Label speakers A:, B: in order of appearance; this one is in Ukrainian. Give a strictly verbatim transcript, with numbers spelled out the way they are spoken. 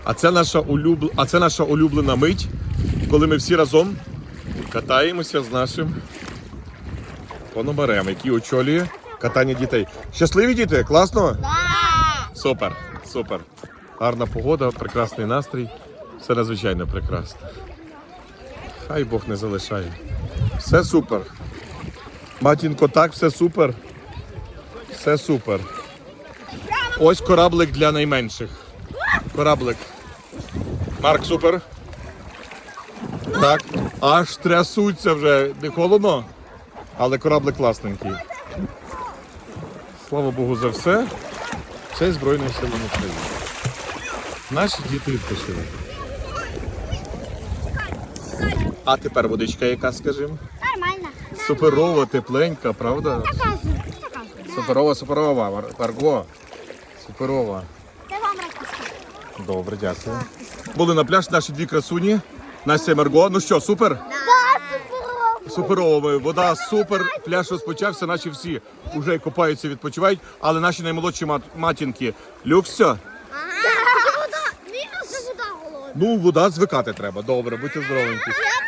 A: А це наша улюбл... а це наша улюблена мить, коли ми всі разом катаємося з нашим пономарем, який очолює катання дітей. Щасливі діти? Класно?
B: Да!
A: Супер, супер. Гарна погода, прекрасний настрій. Все надзвичайно прекрасно. Хай Бог не залишає. Все супер. Матінко, так, все супер. Все супер. Ось кораблик для найменших. Кораблик. Марк, супер. Так, аж трясуться вже. Не холодно, але кораблик класненький. Слава Богу за все. Це Збройні Сили України. Наші діти відпочили. А тепер водичка яка, скажімо?
B: Нормально.
A: Суперова, тепленька, правда?
B: Така, така.
A: Суперова, суперова, Мар- Марго. Суперова.
B: Це вам ракушка.
A: Добре, дякую. Були на пляж наші дві красуні. Настя і Марго. Ну що, супер?
B: Да, суперово.
A: Суперово. Вода супер. Пляж розпочався, наші всі вже купаються, відпочивають. Але наші наймолодші мат- матінки. Люкс, все?
B: Ага. Вода. Мінус вода голодна.
A: Ну, вода звикати треба. Добре, будьте здоровенькі.